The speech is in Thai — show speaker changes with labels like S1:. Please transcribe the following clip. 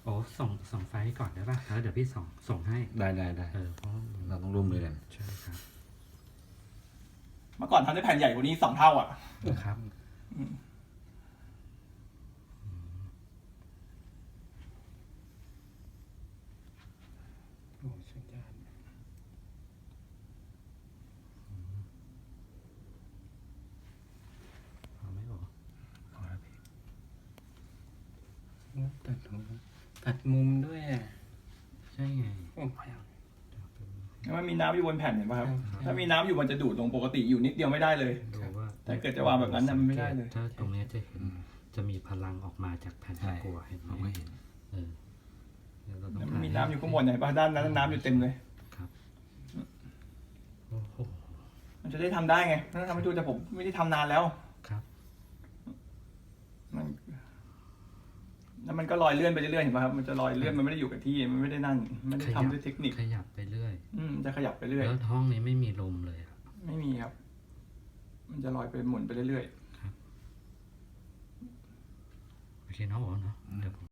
S1: โอ้ส่งไฟล์ก่อนได้ป่ะแล้วเดี๋ยวพี่ส่งให้
S2: ได้
S1: เพราะ
S2: เราต้องร่วมมือกัน
S1: ใช่ครับ
S3: เมื่อก่อนทำได้แผ่นใหญ่กว่านี้2 เท่าอ่ะ
S1: ครับ
S4: โอ้สัญญาณ
S1: พอไหมโอ้
S2: เอาละพี่
S4: โอ้ตัดมุมด้วยอ่ะ
S1: ใช่ไง
S4: โอ้ย
S3: มันมีน้ำอยู่บนแผ่นเห็นป่ะครับ
S4: ครับ
S3: ถ้ามีน้ำอยู่มันจะดูดลงปกติอยู่นิดเดียวไม่ได้เลย
S1: ดูว่า
S3: ถ้าเกิดจะวางแบบนั้นน่ะมันไม่ได้เลย
S1: ถ้าตรงเนี้ยจะเห็นจะมีพลังออกมาจากแผ่นตะกั่วเห็นไหม
S2: เราก็เห็น
S1: เออเดี๋ยวเราต้อง
S3: มันมีน้ำอยู่ข้างบนเห็นป่ะด้านนั้นน้ำอยู่เต็มเลย
S1: ครับโอ้โห
S3: มันจะได้ทำได้ไงถ้าทำให้ดูแต่ผมไม่ได้ทำนานแล้ว
S1: ครับ
S3: มันแล้วมันก็ลอยเลื่อนไปเรื่อยๆเห็นป่ะครับมันจะลอยเลื่อนมันไม่ได้อยู่กับที่มันไม่ได้นั่นไม่ได้ทำด้วยเทคนิค
S1: ขยับไปเรื่อย
S3: จะขยับไปเรื่อย
S1: แล้วห้องนี้ไม่มีลมเลยอะ
S3: ไม่มีครับ มันจะลอยไปหมุนไปเรื่อย
S1: โอเคเนาะโอ้เนาะเดี๋ยวผม